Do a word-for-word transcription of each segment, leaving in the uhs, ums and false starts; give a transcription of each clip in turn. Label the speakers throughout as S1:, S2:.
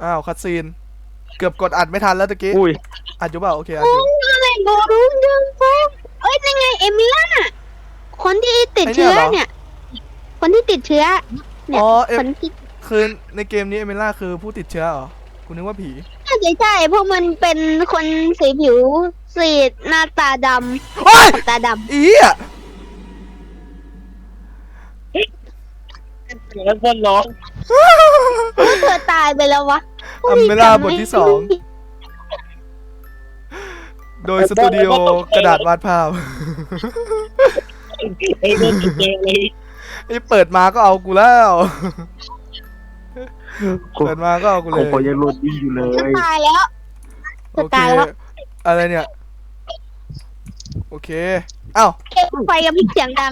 S1: อ้าวคัดซีนเกือบกดอัดไม่ทันแล้วตะกี้
S2: อุ้ย
S1: อัดอยู่เปล่าโอเคอัดอยู่
S3: อะไรโบรุงยังโฟเอ้ยยังไงเอมิล่าคนที่ติดเชื้อเนี่ยคนที่ติดเชื้อเนี่ยคนที่
S1: คือในเกมนี้เอเมล่าคือผู้ติดเชื้อเหรอคุณนึกว่าผี
S3: ใช่ใช่เพราะมันเป็นคนสีผิวสีหน้าตาดำตาดำ
S1: อีอ่ะ
S2: แล้วคนร้อง
S3: เธอตายไปแล้ววะ
S1: เอเมล่าบทที่สองโดยสตูดิโอกระดาษวาดภาพ
S2: ไอ้เรื่องเกมเลย
S1: ไอ้เปิดมาก็เอากูแล้วเปิดมาก็เอากูเลย
S2: ผมยังโหลดดิ้งอยู่เลย
S3: ตายแล้ว
S1: โอเคอะไรเนี่ยโอเคอ้าว
S3: ไฟกับพี่เสียงดัง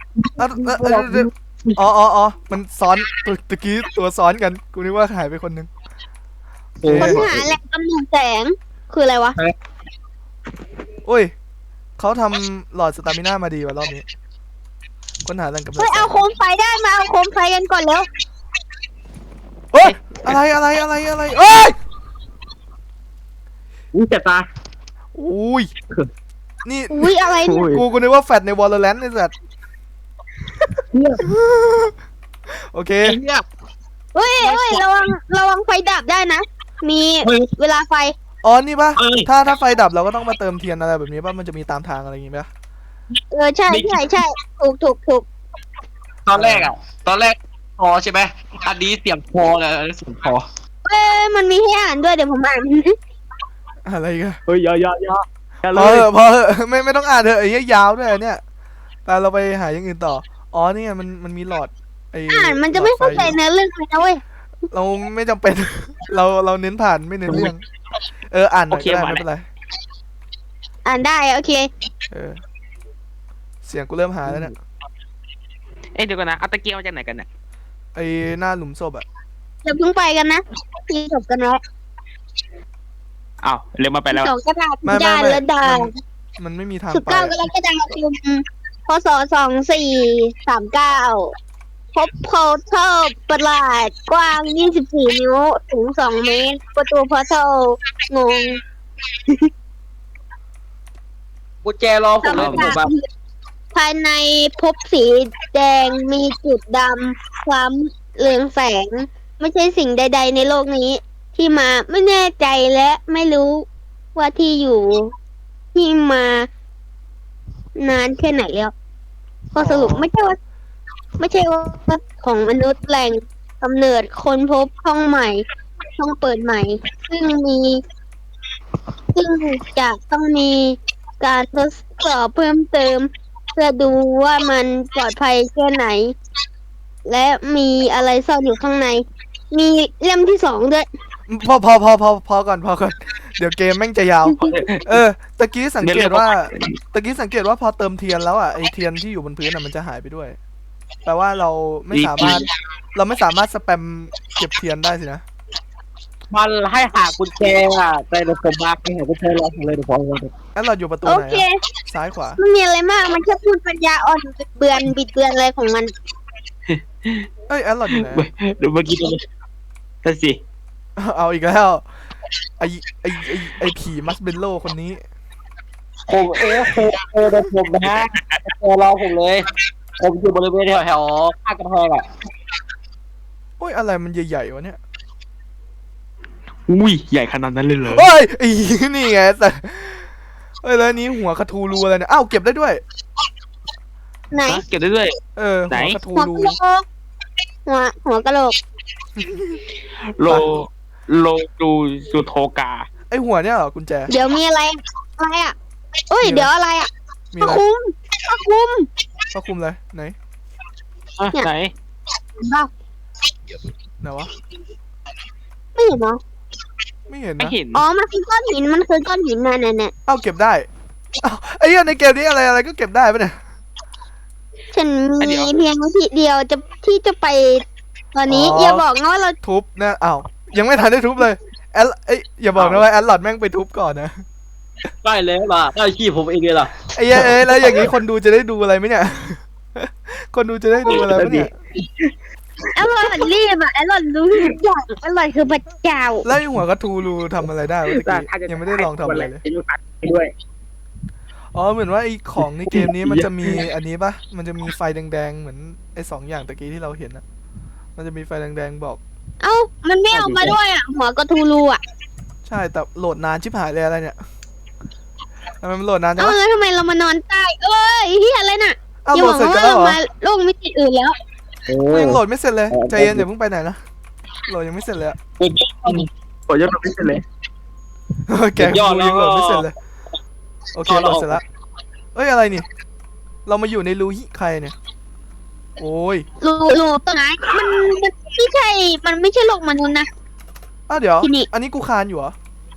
S1: อ๋ออ๋ออ๋อมันซ้อนตะกี้ตัวซ้อนกันกูนึกว่าหายไปคนนึง
S3: ค้นหาแหล่งกำเนิดแสงคืออะไรวะ
S1: อุ้ยเขาทำหลอดสตามิน่ามาดีว่ะรอบนี้ค้นหาแหล่งกำเนิด
S3: เฮ้ยเอาโคมไฟได้มาเอาโคมไฟกันก่อนแล้ว
S1: เฮ้ยอะไรอะไรอะไรอะไรเอ้ย
S2: อุ้ยเจ็บตา
S1: อุ้ยนี่
S3: อุ้ยอะไรเนี่ย
S1: กูกูนึกว่าแฟดในวอลเลนต์นี่สัตว์โอเค
S3: เฮ้ยเฮ้ยระวังระวังไฟดับได้นะมีเวลาไฟ
S1: อ๋อนี่ปะถ้าถ้าไฟดับเราก็ต้องมาเติมเทียนอะไรแบบนี้ป่ะมันจะมีตามทางอะไรอย่างงี้ป่ะ
S3: เออใช่ใช่ใช่ถูกถูกถูก
S2: ตอนแรกอ่ะตอนแรกพอใช่ไหมอันนี้เสียงพอเลยเสียงพอ
S3: เอ้ยมันมีให้อ่านด้วยเดี๋ยวผมอ่าน
S1: อะไรกัน
S2: เฮ้ยยอยอยอ
S1: พอพอไม่ไม่ต้องอ่านเถอะไอ้ยาวด้วยเนี่ยแต่เราไปหาอย่างอื่นต่ออ๋อนี่ไงมันมันมีหลอด
S3: อ่านมันจะไม่เข้าใจเนื้อเรื่องเลยนะเว้ย
S1: เราไม่จำเป็นเราเราเน้นผ่านไม่เน้นเรื่องเอออ่านหน่อยก็ได้ไม่เป็นไร
S3: อ่านได้โอเค
S1: เออเสียงกูเริ่มหาแล้วเนี่ย
S2: เอ้ยเดี๋ยวก่อนนะเอาตะเกียบมาจากไหนกันเนี่ย
S1: ไอ้หน้าหลุมศพอะ
S3: อย่าเพิ่งไปกันนะทีจบกันแล้ว
S2: อ้าวเร็วมาไปแล้ว
S3: สองกระดาษยานและดา
S1: มันไม่มีทาง
S3: สิบเก้ากรกฎาคมพศสองสี่สามเก้าพบโพเทลประหลาดกว้างยี่สิบสี่นิ้วถึงสองเมตรประตูโพเทลงง
S2: กุญแจรอผมเลยผมแบบ
S3: ภายในพบสีแดงมีจุดดำคล้ำเรืองแสงไม่ใช่สิ่งใดๆในโลกนี้ที่มาไม่แน่ใจและไม่รู้ว่าที่อยู่ที่มานานแค่ไหนแล้วก็สรุปไม่ใช่ว่าไม่ใช่ว่าของมนุษย์แหล่งกำเนิดคนพบช่องใหม่ช่องเปิดใหม่ซึ่งมีซึ่งจะต้องมีการทดสอบเพิ่มเติมเพื่อดูว่ามันปลอดภัยแค่ไหนและมีอะไรซ่อนอยู่ข้างในมีเล่มที่สองด้วย
S1: พอพอพอพอพอก่อนพอก่อนเดี๋ยวเกมแม่งจะยาวเออตะกี้สังเกตว่าตะกี้สังเกตว่าพอเติมเทียนแล้วอ่ะไอเทียนที่อยู่บนพื้นอ่ะมันจะหายไปด้วยแปลว่าเราไม่สามารถเราไม่สามารถสแปมเก็บเทียนได้สินะ
S2: มันให้หากุญแจอ่ะแต่เดี๋ยวผมมาให้หากุญแจรอผมเลยเดี๋ยวผม
S1: งั้นเราอยู่ประตูไหนซ้ายขวา
S3: ไม่มีอะไรมากมันแค่พูดปัญญาอ่อนบิดเบือนบิดเบือนอะไรของมัน
S1: เอ้ยแอดหลอดอยู่ไหน
S2: เดี๋ยวเมื่อกี้นั่นสิ
S1: เอาอีกแล้วไอไอไอไอผีมัสเบลโลคนนี้
S2: ผมเออเออเดี๋ยวผมนะฮะรอผมเลยผมอยู่บริเวณแถวๆข้างกระแพงอ่ะ
S1: โอ้ยอะไรมันใหญ่ๆวะเนี่ย
S2: อุ้ยใหญ่ขนาดนั้นเลยเหรอ
S1: โอ้ยไอ้นี่ไงแต่เอ้ยแล้วนี้หัวคาทูรูอะไรเนี่ยอ้าวเก็บได้ด้วย
S3: ไหน
S2: เก็บได้ด้วย
S1: เออหัวคาทูรู
S3: หัวหัวกะโหลก
S2: โลโลจูจูโทกา
S1: ไอหัวเนี่ยเหรอกุญแจ
S3: เดี๋ยวมีอะไรอะไรอ่ะเอ้ยเดี๋ยวอะไรอ่ะพระคุมพระคุม
S1: พระคุมเลยไหน
S2: ไหน
S3: บ้า
S1: ไหนวะ
S3: ไม่เห็นเหรอ
S1: ไม่เห็น
S2: ไม่
S1: นะ
S2: เห็น
S3: อ๋อมันคือก้อนหินมันคือก้อนหินนั่นน่ะเนี่ย
S1: เอ้าเก็บได้เอ้าไอ้เหี้ยในเกมนี้อะไรอะไรก็เก็บได้ปะเนี่ย
S3: ฉันมีเพียงวิธีเดียวจะที่จะไปตอนนี้อย่าบอกนะว่าเรา
S1: ทุบนะอ้าวยังไม่ทันได้ทุบเลยแอดเอ้ยอย่าบอกนะว่าแอดหลอดแม่งไปทุบก่อนนะ
S2: ได้แล้วล่ะได้ขี้ผมเองเลยล่ะ
S1: ไอ้เอ้ยแล้วอย่างนี้คนดูจะได้ดูอะไรไหมเนี่ยคนดูจะได้ดูอะไรไหมเนี่ย
S3: อร่อยรีบอ่ะอร่อยรู้ทุกอย่างอร่อยคือพระเจ้า
S1: แล้วไอ้หัวกระทูรูทำอะไรได้วะตะกี้ยังไม่ได้ลองทำอะไรเลย
S2: จะดูตัดด้วย
S1: อ๋อเหมือนว่าไอ้ของในเกมนี้มันจะมีอันนี้ปะมันจะมีไฟแดงๆเหมือนไอ้สองอย่างตะกี้ที่เราเห็นอะมันจะมีไฟแดงๆบอก
S3: เอ้ามันไม่เอามาด้วยอ่ะ หัวกระทูรูอ่ะ
S1: ใช่แต่โหลดนานชิบหายเลยอะไรเนี่ยทำไมมันโหลดนานจัง
S3: เอ้าว
S1: ะ
S3: แล้วทำไมเรามานอนใต้เอ้ยเฮียอะไรน่ะ
S1: อ้าว
S3: อย่า
S1: โหล
S3: ห
S1: ด
S3: วัง
S1: เสร็จ
S3: ว่า
S1: กันแล้ว
S3: เรา
S1: เหรอ
S3: มาโลกมิติอื่นแล้ว
S2: โอ้
S1: กูยังโหลดไม่เสร็จเลยใจเย็นอย่าเพิ่งไปไหนนะโหลดยังไม่เสร็จเลยอะ
S2: ขอยอดไม่เสร็จเลย
S1: แกกูยังโหลดไม่เสร็จเลยโอเคโหลดเสร็จแล้วเอ้ยอะไรนี่เรามาอยู่ในรูหิใครเนี่ยโอ้ย
S3: รูรูต้นไม้มันมันไม่ใช่ มันไม่ใช่โลกมนุษย์นะ
S1: อ้าวเดี๋ยว
S3: ที่นี่
S1: อันนี้กูคานอยู่เหรอ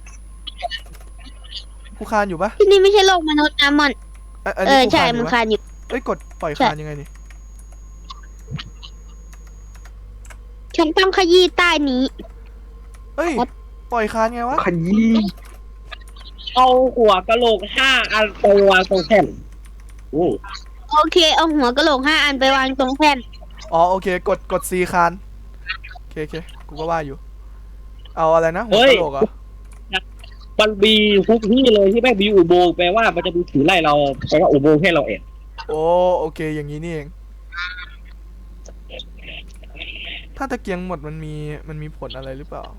S1: กูคานอยู่ปะ
S3: ที่นี่ไม่ใช่โลกมนุษย์นะมัน
S1: อ่ะอัน
S3: เอ
S1: นี้
S3: อ
S1: กู
S3: ใช่
S1: คานอ
S3: มัน
S1: ยู่ปะ
S3: คานอยู่
S1: เอ้ยกดปล่อย
S3: ใช่
S1: คานยังไงนี่
S3: ฉันต้องขยี้ใต้นี้
S1: เอ้ยปล่อยคานไงวะ
S2: ขยี้เอาหัวกะโหลกห้าอันไปวางตรงแท่นโอ้
S3: โอเคเอาหัวกะโหลกห้าอันไปวางตรงแผ่น
S1: อ๋อโอเคกดกดซีคานโอเคโอเคกูก็ว่าอยู่ เอาอะไรนะหัวกะโหลกเหรอ
S2: มันมีทุกที่เลยที่แม่งมีอุโมงค์แปลว่ามันจะมีถือไล่เราแปลว่าอุโมงค์ให้เราเอง
S1: โอ้โอเคอย่างนี้นี่เอง ถ้าตะเกียงหมดมันมีมันมีผลอะไรหรือเปล่า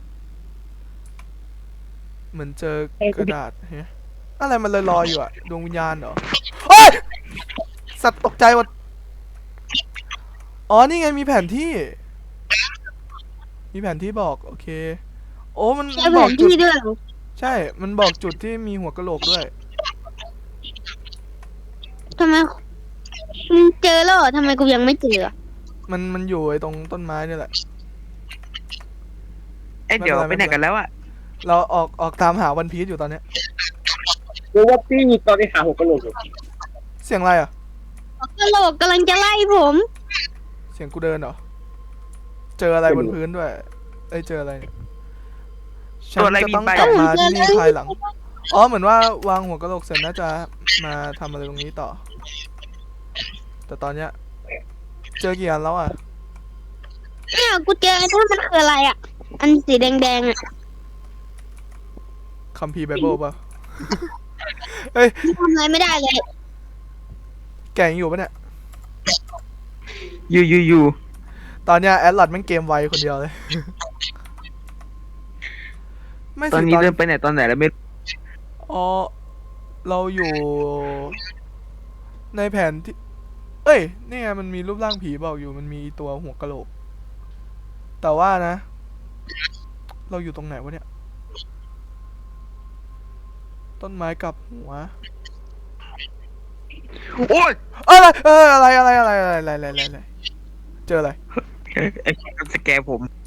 S1: เหมือนเจอกระดาษเฮ้ยอะไรมันลอยๆอยู่อะดวงวิญญาณเหรอเฮ้ยสัตว์ตกใจหมดอ๋อนี่ไงมีแผนที่ มีแผนที่บอกโอเค โอ้มัน
S3: ใช่
S1: มัน
S3: แผ
S1: บอก
S3: น
S1: จุด
S3: ที่ด้วยเหรอ
S1: ใช่ มันบอกจุดที่มีหัวกะโหลกด้วย
S3: ทำไมมึงเจอแล้วเหรอทำไมกูยังไม่เจอ
S1: มันมันอยู่ไอ้ตรงต้นไม้นี่แหละ
S4: เอ้ยเดี๋ยว
S1: ไม่
S4: ไป
S1: เป็นไร
S4: ไหนกันแล้วอะ
S1: เราออกออกตามหาวันพีชอยู่ตอนเนี้ย
S2: รู้ว่าพี่ตอนนี้หาหัวกะโหลกอยู่
S1: เสียงอะไรอ่ะ
S3: กะโหลกกำลังจะไล่ผม
S1: เสียงกูเดินเหรอ เจออะไรบนพื้นด้วย เอ้ยเจออะไรเนี่ยฉันจะต้องกลับมาที่นี่ภายหลัง อ๋อเหมือนว่าวางหัวกะโหลกเสร็จน่าจะมาทำอะไรตรงนี้ต่อ แต่ตอนเนี้ยเจอกี่อันแล้วอ่ะ
S3: เนี่ยกูเจอถ้ามันคืออะไรอ่ะ อันสีแดงๆอ่ะ
S1: คัมภีร์ไบเบิลป่ะ เฮ้ย
S3: ทำอะไรไม่ได้เลย
S1: แกยังอยู่ปะเนี่ย
S4: อยู่อยู่อยู่
S1: ตอนเนี้ยแอดลอดแม่งเกมไวคนเดียวเลย ไม่
S4: ตอน
S1: สิ
S4: นี้
S1: ตอน
S4: เดินไปไหนตอนไหนแล้วไม่
S1: อ๋อเราอยู่ ในแผนที่ เอ้ยนี่ไงมันมีรูปร่างผีบอกอยู่มันมีตัวหัวกะโหลก แต่ว่านะ เราอยู่ตรงไหนวะเนี่ย ต้นไม้กับหัว
S4: โอ้ย
S1: อะไรเอออะไรอะไรอะไรอะไรอะไรอะไรอะไรเจออะไร
S4: ไอ้คนสแกนผม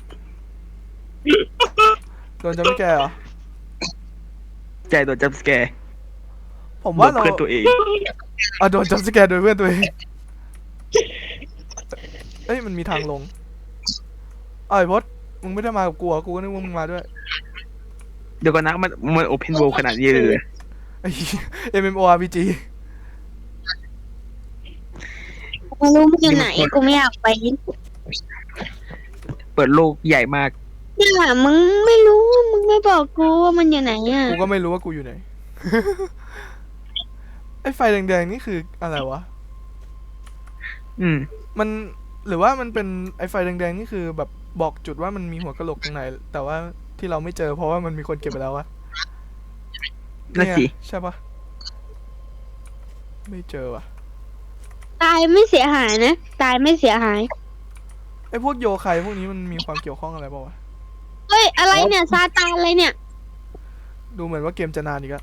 S1: โดนจะไม่แกเหรอ
S4: ใจโดนจับสแกร์
S1: ผมว่าเรา
S4: เพื่อนตัวเอง
S1: อ่ะโดนจับสแกนโดยเพื่อนตัวเองเอ้ยมันมีทางลงเอ้ยพดมึงไม่ได้มากับกูเหรอกูก็นึกว่ามึงมาด้วย
S4: เดี๋ยวก่อนนะมันมันโอเพนโวขนาดนี้เลยเหรอ
S1: ไอ้ เอ็ม เอ็ม โอ อาร์ พี จี
S3: ไม่รู้มันอยู่ไหนกูไม่อยากไป
S4: เปิดโลกใหญ่มาก
S3: เนี่ยมึงไม่รู้มึงไม่บอกกูว่ามันอยู่ไหนอ่ะ
S1: กูก็ไม่รู้ว่ากูอยู่ไหน ไอ้ไฟแดงๆนี่คืออะไรวะ
S4: อืม
S1: มันหรือว่ามันเป็นไอ้ไฟแดงๆนี่คือแบบบอกจุดว่ามันมีหัวกะโหลกตรงไหน แต่ว่าที่เราไม่เจอเพราะว่ามันมีคนเก็บไปแล้ววะ
S4: นั่นสิ
S1: เยใช่ปะไม่เจอวะ
S3: ตายไม่เสียหายนะ ตายไม่เสียหาย
S1: ไอ้พวกโยไคพวกนี้มันมีความเกี่ยวข้องอะไรเปล่าวะ
S3: เฮ้ยอะไรเนี่ยซาตานอะไรเนี่ย
S1: ดูเหมือนว่าเกมจะนานอีกอะ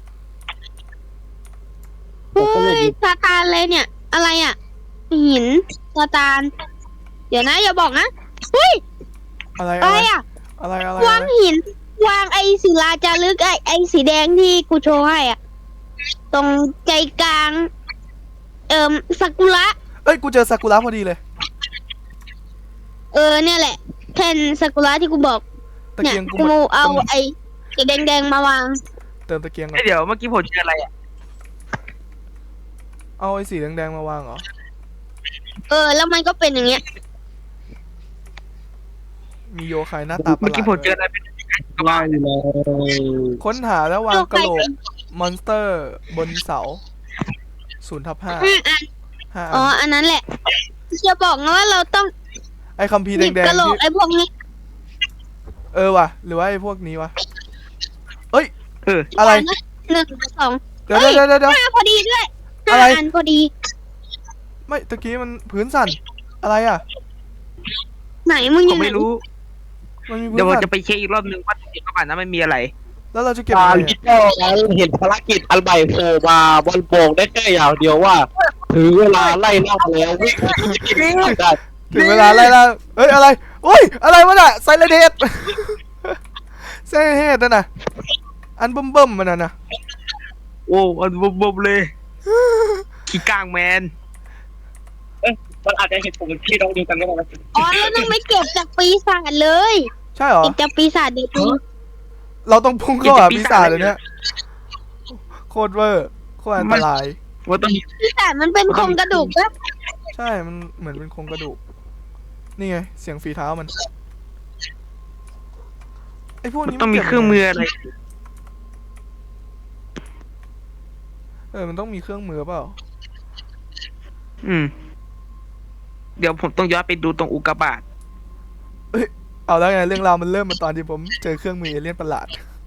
S3: เฮ้ยซาตานอะไรเนี่ย อะไรอ่ะหินซาตาน เดี๋ยวนะอย่าบอกนะเฮ้ย
S1: อะไร
S3: อะ
S1: อะไร ไร
S3: อ่ะ
S1: อะไรอะไร
S3: วาง
S1: อะไร
S3: หิน วางไอ้ศิลาจารึกไอ้ไอ้สีแดงที่กูโชว์ให้อ่ะ ตรงใจกลาง เอ่มซากุระ
S1: เอ้ยกูเจอซากุระพอดีเลย
S3: เออเนี่ยแหละแผ่นซากุระที่กูบอก
S1: ตะ
S3: เนี่ย
S1: เกียงกู
S3: กู
S1: หมด
S3: เอา
S1: เติม
S3: ไอ้สีแดงๆมาวาง
S1: เติมตะเกียงก่อ
S4: เอ้ย
S1: น
S4: เดี๋ยวเมื่อกี้ผมเจออะไรอะ
S1: เอาไอ้สีแดงๆมาวางเหรอ
S3: เออ แล้วมันก็เป็นอย่างเงี้ย
S1: มีโยคายหน้าตาประห
S4: เมื่อ
S1: ลา
S4: กี้
S1: ด
S4: ผมเจออะไรเป็นกระบา
S2: ว่าง
S4: ด
S2: เลย
S1: ค้นหาแล้ววางกระโหลกมอนสเตอร์บนเสาศูนย์ทับห้า
S3: ห้าอัน
S1: ห้า
S3: อ๋อ
S1: อัน
S3: อันนั้นแหละ จะบอกนะว่าเราต้อง
S1: ไอ้คัมภีร์
S3: หยิบ
S1: แดง
S3: กระโหล
S1: ๆ
S3: ก
S1: ที่
S3: ไอ้พวกนี้
S1: เออว่ะหรือว่าไอ้พวกนี้วะเอ้ย
S4: เออ
S1: อะไร
S3: หนึ่งสอง
S1: เดี๋ยวเดี๋ยวเดี๋ยวเดี๋ยว
S3: ห้าพอดีด้วย
S1: อะไร
S3: ห้าอันพอดี
S1: ไม่ตะกี้มันพื้นสั่นอะไรอ่ะ
S3: ไหนมึงอ
S4: ผ
S3: ยู่
S4: ม
S3: ไหน
S4: ไม่รู้
S1: มันมีพื้
S4: เดี๋ย
S1: น
S4: วผม
S1: สั่น
S4: จะไปเช็คอีกรอบนึงว่าในกระบาดนั้นมันมีอะไร
S1: แล้วเราจะเก็บ
S2: ตา
S1: ยังไง
S2: ลิ
S1: อะ
S2: เตอร์ไงเห็นภารกิจอันใหม่โผล่มาบนโป่งได้แค่อย่างเดียวว่าถึงเวลาไล่ล่าแล้ววิ่งได้
S1: ถึงเวลาไล่ล่าเอ้ยอะไรอุ้ยอะไรวะน่ะไซเลเดต ไซเลเดตนั่นน่ะอันเบิ่มๆมันน่ะนะ
S4: โอ้อันบบๆเลยขี้กลางแมน
S2: มันอาจจะเห็นผมพี่น้องเดียวกันก็ได้
S3: อ๋อเราต้องไปเก็บจากปีศาจเลย
S1: ใช่เหรอ
S3: เก็บจากปีศาจเด็กนี่
S1: เราต้องพุ่งเข้าหาปีศาจเลยเนี่ยโคตรเวอร์โคตรอันตราย
S4: ว่าต้อง
S3: ปีศาจมันเป็นโครงกระดูกปะ
S1: ใช่มันเหมือนเป็นโครงกระดูกนี่ไงเสียงฝีเท้ามันไอ้พวก
S4: มัน
S1: นี้
S4: ต้องมี
S1: ก็บ
S4: เครื่องมืออะไร
S1: เออมันต้องมีเครื่องมือเปล่า
S4: อืม เดี๋ยวผมต้องย้อนไปดูตรงอุกกาบาต
S1: เอาแล้วไงเรื่องราวมันเริ่มมาตอนที่ผมเจอเครื่องมือเอเลี่ยนประหลาด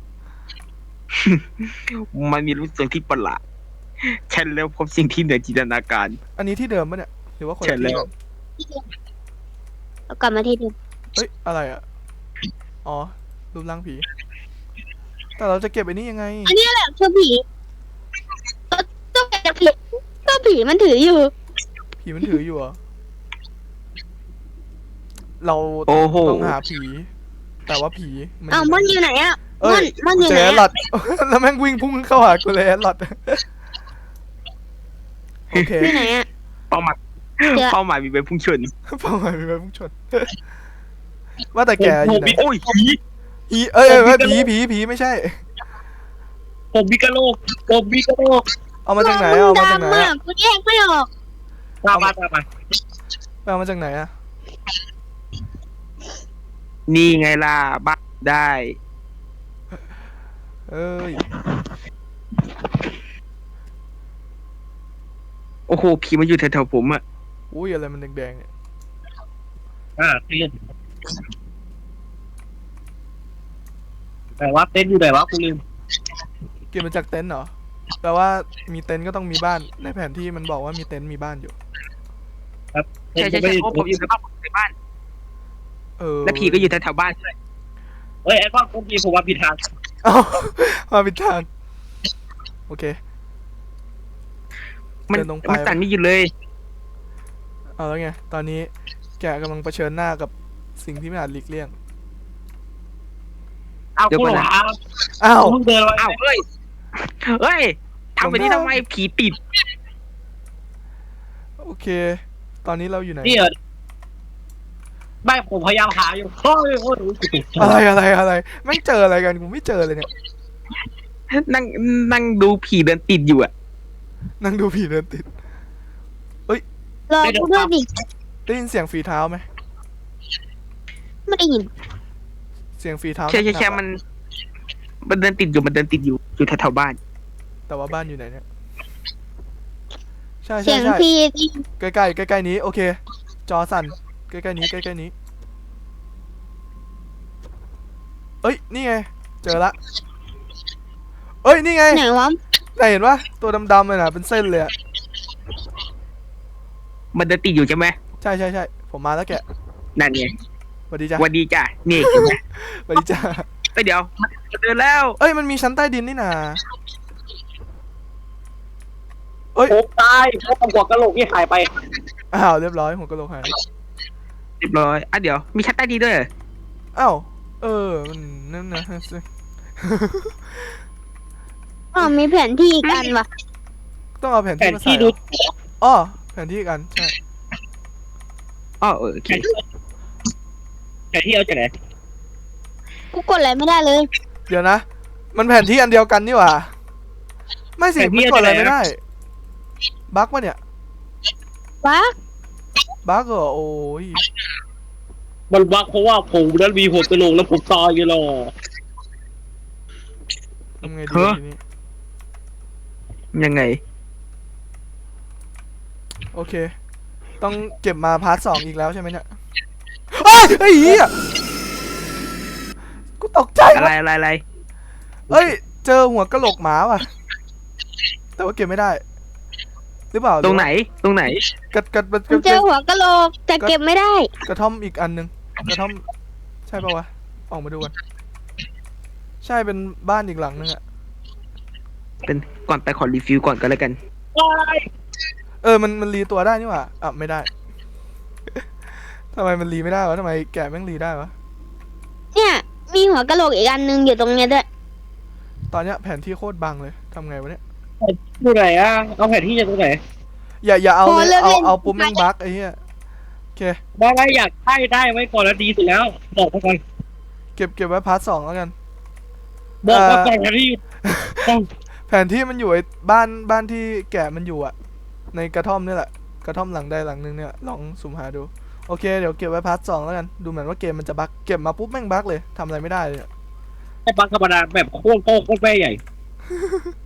S4: มันมีรู้สึกที่ประหลาดฉันแล้วพบสิ่งที่เหนือจินตนาการ
S1: อันนี้ที่เดิมปะเนี่ยหรือว่าคน
S4: ใช่
S1: ละ
S4: แล้
S1: ที่
S4: ว
S1: กัน
S3: เรากลับมาที่เดิม
S1: เฮ้ยอะไรอ่ะอ๋อรูปร่างผี แต่เราจะเก็บไอ้นี่ยังไง
S3: อันนี้แหละคือผีเราต้องเก็บจากผีก็ผีมันถืออยู่
S1: ผีมันถืออยู่เหรอเรา
S4: โอ้โห
S1: ต้องหาผี แต่ว่าผีมัน
S3: อ้าวมันอยู่ไหนอ่ะ
S1: เอ้
S3: มัน
S1: ย
S3: มันอยู่
S1: เจ
S3: ไหน
S1: อแอดหลอ
S3: อะ
S1: ด แล้วแม่งวิ่งพุ่งเข้าหากูเลยแอดหลอด โอเค
S3: อยู่ไหนอ่ะ
S4: เป้าหมาย
S3: เดี๋ยว
S4: เป้าหมายมีเป็นพุ่งชน
S1: เป้าหมายมีไปพุ่งชน ว่าแต่แกอยู่ไหน
S4: โอ้ยผี
S1: ผีเอ้ยเอ้ยเอ้ยผีผีผีไม่ใช่
S2: ผมมีกระโหลกผมมีกระโหลก
S1: เอามาจากไหน
S3: มึ
S1: เอา
S3: ง
S1: มาจากไหน
S3: ดำมา
S1: อะ
S3: กกูแยกไม่ออก
S2: ตามมาตามมา
S1: เอามาจากไหนอะ
S4: นี่ไงล่ะบ้าได้
S1: เอ้ย
S4: โอ้โหผีมันอยู่แถวๆผมอะ
S1: อุ้ยอะไรมันแดงๆเนี่ย
S2: อ่าเต้นแต่ว่าเต้นอยู่ไหนวะกูลืม
S1: กินมาจากเต็นท์เหรอแปลว่ามีเต็นท์ก็ต้องมีบ้าน ในแผนที่มันบอกว่ามีเต็นท์มีบ้านอยู่
S4: ใช่ใช่ใช่เพราะผมอยู่ในบ้านผมอยู่ในบ้าน
S1: เออ
S4: และผีก็อยู่แถวๆบ้านด้วย
S2: เฮ้ยไอ้ก้อนกูมีผมว่าผิดทาง
S1: เอ้ามาผิดทาง โอเค
S4: มัน
S1: เดินลงไป
S4: มันสั่นไม่หยุดเลย
S1: เอาแล้วไง ตอนนี้แกกำลังเผชิญหน้ากับสิ่งที่ไม่อาจหลีกเลี่ยง
S2: เอากูหลงทาง
S1: อ้าว
S2: เพิ่งเดินมา
S4: อ้าวเฮ้ย เฮ้ยทำแบบนี้ทำไมผีปิด
S1: โอเค ตอนนี้เราอยู่ไหน
S2: นี่เหรอไม่ผมพยายามหาอยู่เฮ้ยโอ้ย
S1: อะไรอะไรอะไรไม่งเจออะไรกันกูไม่เจอเลยเนี่ย
S4: นั่งนั่งดูผีเดินติดอยู่อะ
S1: นั่งดูผีเดินติด
S3: รอกูด้วยดิ
S1: ได้ยินเสียงฝีเท้าไหม
S3: ไม่ได้ยิน
S1: เสียงฝีเท้า
S4: ใช่ใช่ใช่
S1: หกๆอะ
S4: มัน มันเดินติดอยู่มันเดินติดอยู่อยู่แถวๆบ้าน
S1: แต่ว่าบ้านอยู่ไหนเนี่ย ใช่
S3: เสี
S1: ใช่
S3: ยง
S1: ใช่
S3: พี่
S1: ใกล้ใกล้ใกล้ใกล้ๆนี้ โอเค จอสั่น ใกล้ใกล้ๆนี้ใกล้ใกล้ๆนี้ เอ้ย นี่ไง เจอละ เอ้ย นี่ไง
S3: ไหนวะ
S1: ไหนเห็นปะตัวดำๆเลยนะเป็นเส้นเลยอะ
S4: มันเดินติดอยู่ใช่ไหม
S1: ใช่ใช่ใช่ผมมาแล้วแกะ
S4: นั่นไง
S1: สวัสดีจ้ะ
S4: สวันดีจ้ะนี่เห็นไหม
S1: สวัสดีจ้ะ
S4: เอ้ยเดี๋ยวมันเดินแล้ว
S1: เอ้ย มันมีชั้นใต้ดินนี่นา เอ้ย
S2: ผมตายเพราะผมหัวกระโหลกที่หายไป
S1: อ้าวเรียบร้อยหัวกะโหลกหาย
S4: เรียบร้อยอ่ะเดี๋ยวมีชั้นใต้ดินด้วยเหรอ
S1: อ้าว เออ มันนั่นนะ
S3: อ๋อมีแผนที่อีกอันวะ
S1: ต้องเอาแผน
S2: แผ
S1: ที่
S2: น
S1: มาใส่
S2: ที่
S1: เหร
S2: ดู
S1: ออ๋อแผนที่อีกอัน ใช่
S4: อ๋อเออโอเค
S2: แผนที่เอาจากไหน
S3: กูกดอะไรไม่ได้เลย
S1: เดี๋ยวนะ มันแผนที่อันเดียวกันนี่หว่า ไม่สิ มันกดอะไรไม่ได้ บั๊กปะเนี่ย
S3: วะ
S1: บั๊กเหรอ โอ้ย
S2: มันบักเพราะว่าผมนั้นมีหัวกระโหลกแล้วผมตายไงล่ะ
S1: ทำไงดี
S4: เฮ้อ
S1: ทีนี้
S4: ยังไง
S1: โอเค ต้องเก็บมาพาร์ทสองอีกแล้วใช่ไหมเนี่ยเอ้ยไอ้เหี้ยกูตกใจ
S4: อะไร
S1: ว่ะ
S4: อะไรอะไร
S1: เอ้ย เจอหัวกะโหลกหมาว่ะ แต่ว่าเก็บไม่ได้ หรือเปล่า
S4: ตรงไหนตรงไหน
S1: กระกระกระก
S3: ผมเจอ
S1: ระ
S3: หัวกะโหลกแต่เก็บไม่ได้
S1: กระท่อมอีกอันหนึงกระท่อม ใช่ปะวะ ออกมาดูกัน ใช่เป็นบ้านอีกหลังนึงอะ
S4: เป็นก่อนไปขอรีฟิลก่อนก็แล้วกัน
S1: เออ มัน มันรีตัวได้นี่หว่าอ่ะไม่ได้ ทำไมมันรีไม่ได้วะทำไมแกะแม่งรีได้วะ
S3: เนี่ย มีหัวกะโหลกอีกอันหนึงอยู่ตรงเนี้ยด้วย
S1: ตอนเนี้ยแผนที่โคตรบังเลยทำไงวะเนี่ย
S2: ดูไหนอ่ะเอาแผนที่จากตรงไหน
S1: อย่าอย่าเอา
S3: พอ
S1: เลย
S3: เลิก
S1: เอา
S3: เล่น
S1: เอาปุ๊บแม่งบั๊กไอ้เหี้ยโอเค
S2: ได้ได้อยากได้ได้ไว้ก่อนแล้วดีสุดแล้วบอกมาก่อน
S1: เก็บเก็บไว้พาร์ทสองแล้วกัน
S2: บอกมา
S1: เอ่อ
S2: ก่อนแผนที่ต้อง
S1: แผนที่มันอยู่ไอ้บ้านบ้านที่แกะมันอยู่อะในกระท่อมนี่แหละกระท่อมหลังใดหลังหนึงเนี่ยลองสุ่มหาดูโอเคเดี๋ยวเก็บไว้พาร์ทสองแล้วกันดูเหมือนว่าเกมมันจะบั๊กเก็บมาปุ๊บแม่งบั๊กเลยทำอะไรไม่ได้เลยอะ
S2: ไอ้บังธรรมดาแบบโคตรโคตรโคตรแม่ใหญ่